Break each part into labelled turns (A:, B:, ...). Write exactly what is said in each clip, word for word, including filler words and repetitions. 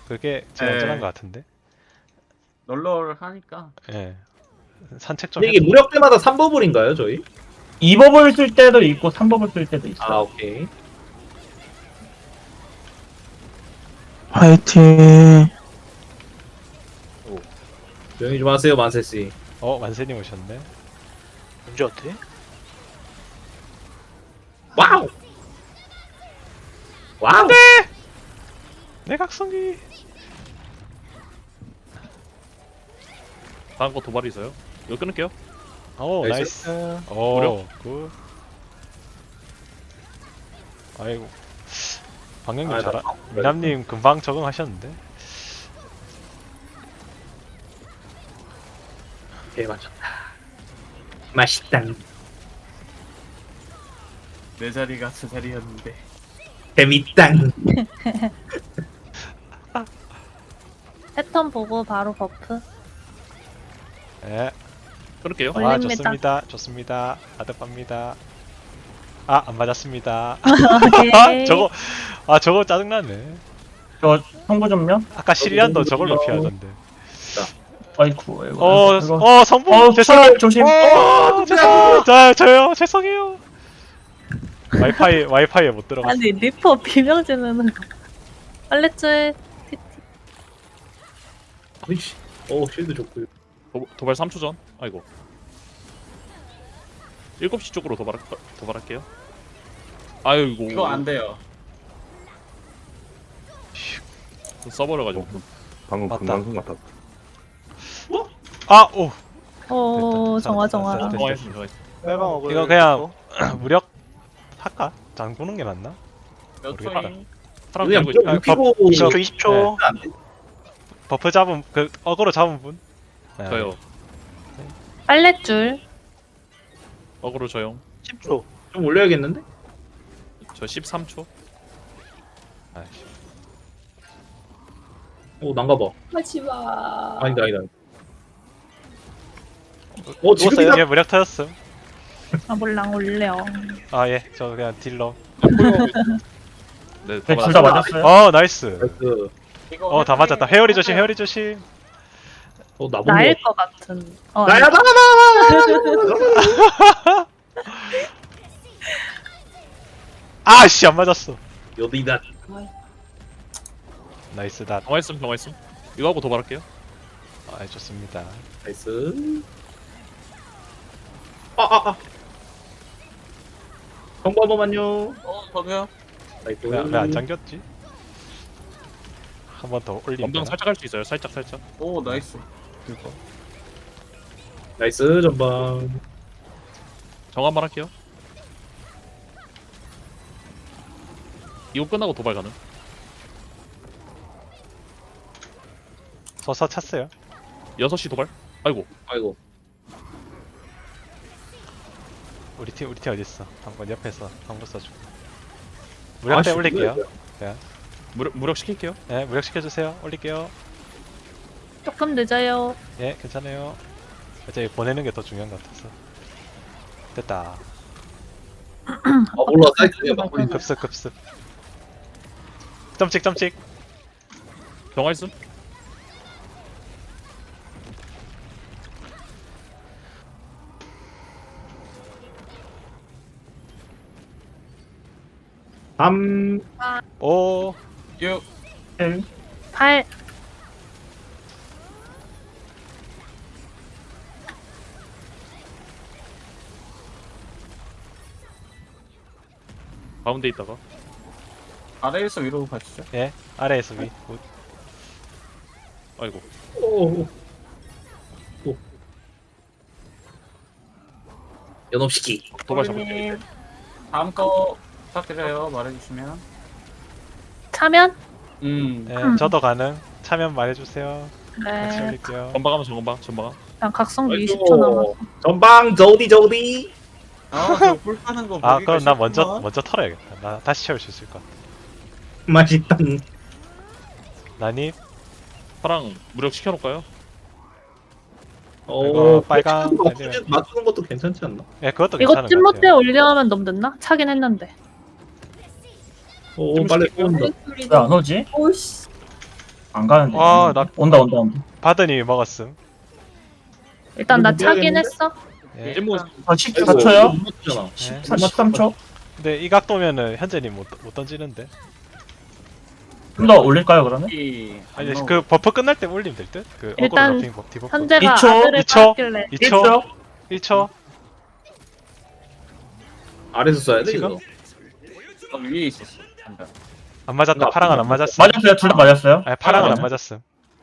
A: 그게 제일
B: 네.
A: 안전한 것 같은데.
B: 널널하니까.
A: 예. 산책 좀
C: 근데 이게
A: 해도
C: 무력 때마다 삼 버블인가요 저희?
D: 이 법을 쓸 때도 있고 삼 법을 쓸 때도 있어.
C: 아 오케이.
E: 화이팅.
C: 조용히 좀 하세요 만세씨.
A: 어 만세님 오셨네.
E: 언제 어때?
C: 와우. 와우.
A: 내각성기.
F: 다음 거 도발이 있어요. 이거 끊을게요.
A: 오
C: 나이스.
A: 나이스. 오
F: 무력.
A: 굿. 아이고. 방영님
C: 아,
A: 잘하.
C: 나-
A: 미남님 금방 적응하셨는데.
C: 개 맞췄다. 맛있다.
B: 내 자리가 제 자리였는데.
C: 재밌다.
G: 패턴 보고 바로 버프.
A: 예.
F: 끊을게요.
G: 어.
A: 아
G: 올립니다.
A: 좋습니다. 좋습니다. 아득합니다. 아 안 맞았습니다.
G: 오케이.
A: 저거 아 저거 짜증나네.
D: 저 성부 좀요.
A: 아까 시리안도 저걸로 피하던데.
D: 아이쿠. 아이고.
A: 어,
D: 이거.
A: 어 성부
D: 어,
A: 죄송해요.
D: 차 조심.
A: 어, 죄송. 자 저요 죄송해요. 와이파이 와이파이에 못 들어갔어.
G: 아니 리퍼 비명지르는 거. 빨래줄.
C: 아이씨. 오 쉴드 좋고요.
F: 도, 도발 삼 초 전. 아이고. 일곱 시 쪽으로 도발 도발할게요. 아이고.
B: 이거 안 돼요.
F: 써버려가지고.
H: 방금
A: 맞다.
H: 금방송 같았다.
A: 아 오.
G: 오
A: 됐다.
G: 정화
A: 됐다.
G: 정화.
A: 됐다.
F: 정화했습니다. 정화했습니다.
E: 빨강 어글.
A: 이거 그냥 무력 할까? 잠그는 게 낫나?
B: 몇
A: 모르겠다.
B: 초잉?
F: 사람
C: 그냥
F: 들고 있.
A: 아,
C: 무력 피고
A: 이거-
E: 이십 초 이십 초.
A: 버프 잡은 그 어그로 잡은 분? 네.
F: 저요.
G: 빨래줄.
F: 어그로 저용.
E: 십 초.
C: 좀 올려야겠는데?
F: 저 십삼 초.
A: 아이씨.
C: 오 난가봐.
G: 하지마.
C: 아니다 아니다. 어
A: 예,
C: 지금이다.
A: 무력 터졌음.
G: 아 몰랑 올려.
A: 아 예, 저 그냥 딜러.
F: 네,
D: 네,
F: 도발.
D: 둘 다 맞았어요.
A: 어 나이스.
C: 나이스.
B: 이거
A: 어 다
B: 회피
A: 맞았다. 회오리 조심,
B: 맞아요.
A: 회오리 조심.
C: 어 나본
G: 나일
C: 거.
G: 것 같은. 어,
C: 나야 나나.
A: 아씨 안 맞았어.
C: 여기다.
A: 나이스 닷.
F: 정화했음 정화했음. 이거 하고 도발할게요.
A: 아 좋습니다.
C: 나이스. 아아 아. 정보 한 번만요.
B: 어 저도요.
C: 나이스.
A: 왜안 잠겼지? 한 번 더 올린다.
F: 전방 살짝 할 수 있어요. 살짝 살짝.
B: 오 나이스.
A: 그리고
C: 나이스 전방.
F: 정화 한번 할게요. 이거 끝나고 도발 가능.
A: 서서 찼어요.
F: 여섯 시 도발. 아이고.
C: 아이고.
A: 우리 팀 우리 팀 어디 있어? 한번 옆에서 한번 써주고. 무력 때
C: 아씨,
A: 올릴게요.
C: 뭐야,
F: 무력 무력 시킬게요.
A: 네, 무력 시켜주세요. 올릴게요.
G: 조금 늦어요.
A: 예, 괜찮아요. 어차피 보내는 게 더 중요한 것 같아서. 됐다.
C: 아 몰라 사이트에 막 올린.
A: 급습 급습. 점찍 점찍.
F: 정화했음.
C: 삼.
A: 오.
B: 육.
D: 칠.
G: 팔.
F: 가운데 있다가.
B: 아래에서 위로 가시죠.
A: 예, 아래에서 위. 굿.
F: 아이고.
C: 오. 오. 연업시키.
F: 도발 잡을게요.
G: 님
B: 다음 거 부탁드려요. 말해주시면.
G: 차면?
B: 음.
A: 예, 저도 가능. 참여 말해주세요. 같이
G: 네.
A: 올릴게요.
F: 전방하면 전방 전방.
G: 그냥 각성기
C: 아이고.
G: 이십 초 남았어.
C: 전방 저디 저디.
B: 아저 뿔파는 거.
A: 아,
B: 보기가
A: 그럼 나 먼저
B: 싫구만.
A: 먼저 털어야겠다. 나 다시 채울 수 있을 것 같아.
C: 맛있다.
A: 나니?
F: 파랑 무력 시켜놓을까요?
C: 어
A: 이거 빨강
C: 맞추는,
A: 아니면-
C: 맞추는 것도 괜찮지 않나?
A: 예, 그것도
G: 이거
A: 괜찮은 것
G: 찐모때
A: 같아요.
G: 올려면 너무 늦나? 차긴 했는데.
C: 오
F: 좀
C: 빨리
F: 시킬게요.
C: 쏜다.
D: 왜 안 오지?
B: 아
D: 안 가는데.
A: 아, 나-
D: 온다 온다 온다.
A: 바드님이 먹었음.
G: 일단 나
C: 이거
G: 차긴
C: 미안했는데?
G: 했어.
A: 예.
F: 찜무
D: 아 십사 초요?
C: 잖아
A: 예.
D: 사십삼 초?
A: 근데 이 각도면은 현재님 못, 못 던지는데.
D: 좀 더 올릴까요 그러면?
B: 이
A: 아니
B: 안
A: 그 버프 끝날 때 올리면 될 듯? 그
G: 일단
A: 어그로 러핑 디버프.
G: 현재가
D: 이 초,
G: 아들을
A: 이 초.
G: 낳았길래
A: 이 초,
D: 일 초?
A: 일 초.
C: 아래서 써야 돼
A: 지금?
C: 이거.
B: 어, 위에 있었어. 안 돼.
A: 안 맞았다.
C: 이거
A: 파랑은 안
C: 앞으로
A: 맞았어.
D: 맞았어요. 둘 다 맞았어요.
A: 아니 파랑은 안
D: 아,
A: 맞았음.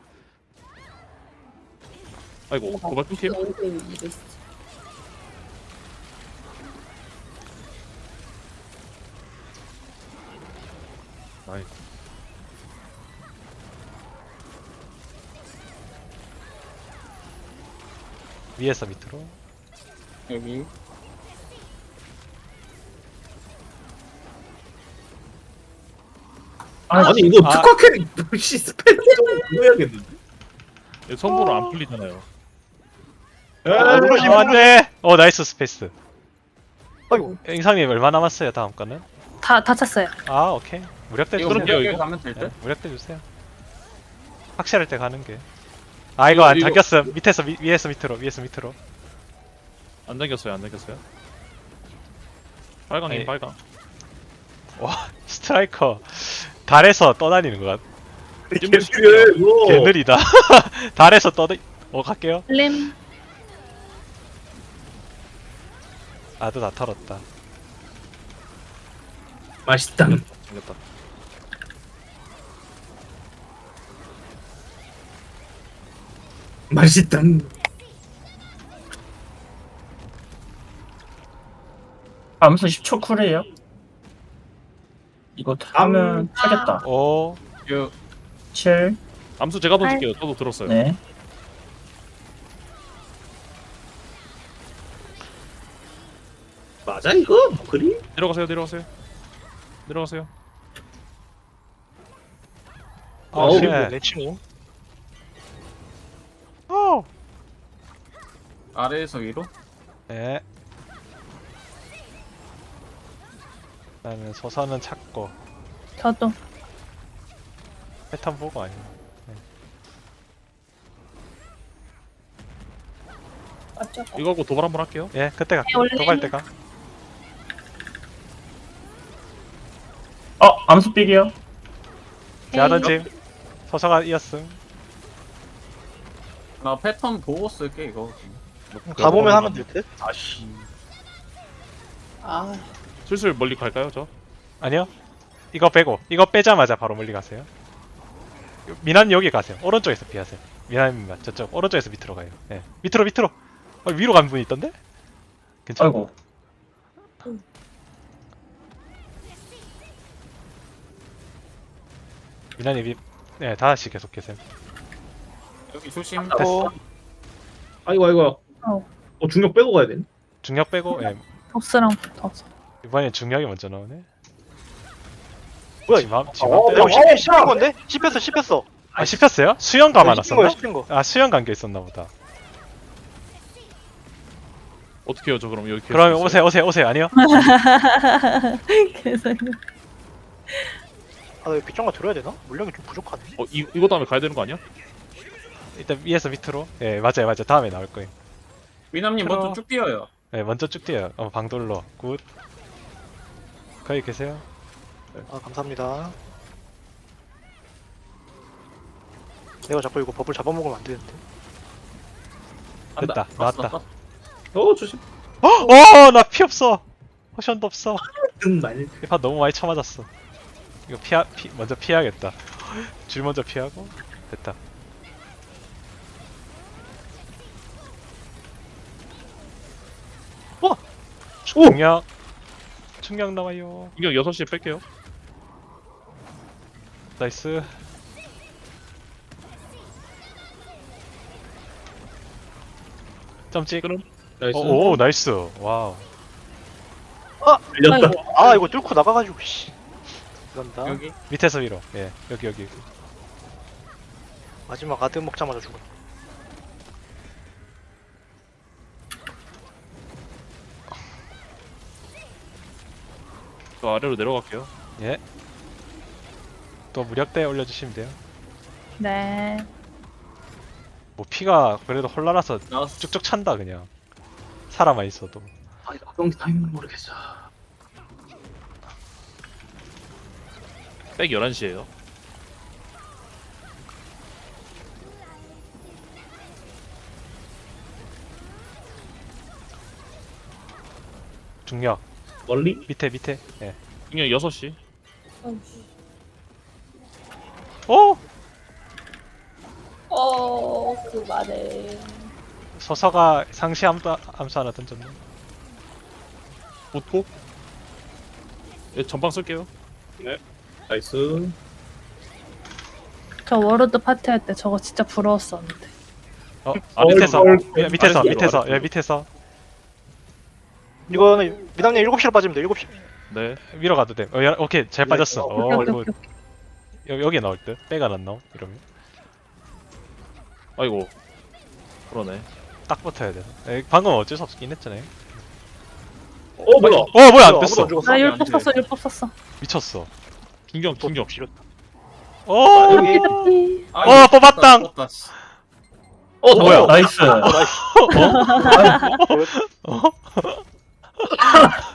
F: 아이고 도발 끊김. 나이스.
A: 위에서 밑으로.
B: 여기
D: 아,
C: 아니 이거
A: 아.
C: 특화 캐릭 씨 스펠 좀 그거 해야겠는데.
F: 이거 선보로 안 풀리잖아요.
E: 아, 누르시-
A: 어, 안돼. 어 나이스 스페이스.
E: 아이고.
A: 인상님 얼마 남았어요 다음 거는?
G: 다 다쳤어요.
A: 아 오케이. 무력대
B: 이거
A: 주세요.
F: 그럴게요,
B: 무력에
F: 이거.
B: 가면 될
A: 네,
B: 듯?
A: 무력대 주세요. 확실할 때 가는 게. 아 이거
F: 이거,
A: 안
F: 이거.
A: 당겼음. 밑에서 위, 위에서 밑으로 위에서 밑으로.
F: 안 당겼어요 안 당겼어요. 빨강이
A: 아니.
F: 빨강.
A: 와 스트라이커 달에서 떠다니는 것 같.
F: 찜무
C: 개필해 이거.
A: 개 느리다. 달에서 떠다. 어 갈게요.
G: 림
A: 아도 다 털었다.
C: 맛있다.
F: 당겼다.
C: 맛있다.
D: 암수 십 초 쿨이에요. 이거 하면 차겠다.
A: 오.
B: 요
D: 칠.
F: 암수 제가 던질게요. 저도 들었어요.
D: 네.
C: 맞아 이거? 그리?
F: 내려가세요 내려가세요. 내려가세요.
A: 어, 쉣.
E: 내 친구.
A: 어.
B: 아래에서 위로
A: 네. 그다음에 소선은 찾고
G: 저도
A: 패턴 보고 아니야.
F: 이거 하고 도발 한번 할게요.
A: 예, 그때 갈게.
G: 올림.
A: 도갈 때가.
D: 어 암수 삑이요.
A: 제가 던짐. 소서가 이었음.
B: 나 패턴 보고 쓸게 이거.
E: 가보면 하면 될 듯?
C: 아씨.
F: 슬슬 멀리 갈까요 저?
A: 아니요. 이거 빼고 이거 빼자마자 바로 멀리 가세요. 미난 여기 가세요. 오른쪽에서 피하세요. 미난님 저쪽 오른쪽에서 밑으로 가요. 예. 밑으로 밑으로. 어, 위로 간 분이 있던데? 괜찮아.
D: 아이고.
A: 미난님 위. 네, 다시 계속 계세요.
B: 여기 조심.
A: 됐어.
C: 아이고 아이고.
G: 어.
C: 어 중력 빼고 가야 되네.
A: 중력 빼고. 예.
G: 보스랑 붙어서.
A: 이번엔 중력이 먼저 나오네.
E: 뭐야,
A: 지맘
E: 어,
A: 지맘
E: 형
A: 빼고.
E: 씹힌 씹힌 건데? 씹혔어 씹혔어.
A: 아 씹혔어요? 수영 감아
E: 씹힌 거야
A: 놨었나?
E: 씹힌 거.
A: 아 수영 감겨 있었나 보다.
F: 어떻게 해요 저 그럼 여기.
A: 그러면 오세요 오세요 오세요 아니요?
G: 계속
E: 아, 나 이거 빗장가 들어야 되나? 물량이 좀 부족하네.
F: 어 이, 이거 다음에 가야 되는 거 아니야?
A: 일단 위에서 밑으로. 예 맞아요 맞아요 다음에 나올 거예요.
B: 위남님
A: 들어.
B: 먼저 쭉 뛰어요.
A: 네 먼저 쭉 뛰어요. 어 방돌로 굿. 거기 계세요.
E: 아, 감사합니다. 내가 자꾸 이거 버블 잡아먹으면 안 되는데.
A: 됐다
B: 왔어,
A: 나왔다.
B: 왔어.
C: 어 조심.
A: 어나 피 없어. 포션도 없어.
C: 등 많이.
A: 이판 너무 많이 쳐맞았어. 이거 피하 피 먼저 피해야겠다. 줄 먼저 피하고 됐다.
E: 와!
A: 중력 중력 나와요.
F: 이거 여섯 시에 뺄게요.
A: 나이스. 점찍.
F: 끊음.
C: 나이스.
A: 오, 오 나이스. 와우.
C: 밀렸다.
E: 아, 이거 뚫고 나가가지고 씨. 이런다.
B: 여기
A: 밑에서 위로. 예 여기 여기.
E: 마지막 아드 먹자마자 죽어.
F: 저 아래로 내려갈게요.
A: 예. 또 무력대 올려주시면 돼요.
G: 네.
A: 뭐 피가 그래도 홀라라서
B: 나왔어.
A: 쭉쭉 찬다 그냥. 살아만 있어도.
C: 아 이거 악동기 타이밍 모르겠어.
F: 백 열한 시에요.
A: 중력
C: 멀리?
A: 밑에 밑에. 예.
F: 중력 여섯 시.
A: 오!
G: 어, 그 말에.
A: 서서가 상시 암수, 암수 하나 던졌네.
F: 웃고. 예, 전방 쓸게요.
C: 나이스.
G: 저 워로드 파티 할 때 저거 진짜 부러웠었는데.
A: 어, 아 밑에서
C: 얼,
A: 야, 밑에서
F: 아래쪽으로,
A: 밑에서
F: 아래쪽으로.
A: 야 밑에서
E: 이거는 미남님 일곱 시로 빠지면 돼. 일곱 시.
F: 네.
A: 위로 가도 돼. 어, 야, 오케이 잘 빠졌어.
G: 오케이,
A: 어,
G: 오케이,
A: 이거
G: 오케이.
A: 여, 여기 나올 듯. 빼가 안 나오 이러면
F: 아이고. 그러네.
A: 딱 붙어야 돼. 에, 방금 어쩔 수 없긴 했잖아요.
C: 어 뭐야?
A: 어 뭐야 안
E: 아무도
A: 됐어.
E: 안 죽었어.
G: 나
B: 안
G: 율법
B: 돼.
G: 썼어, 율법 썼어.
A: 미쳤어.
F: 중경 중경.
A: 오.
G: 여기 피
B: 아,
A: 어,
B: 이거
A: 뽑았당.
B: 뽑았다, 뽑았다, 씨.
C: 어
A: 뭐야?
D: 나이스.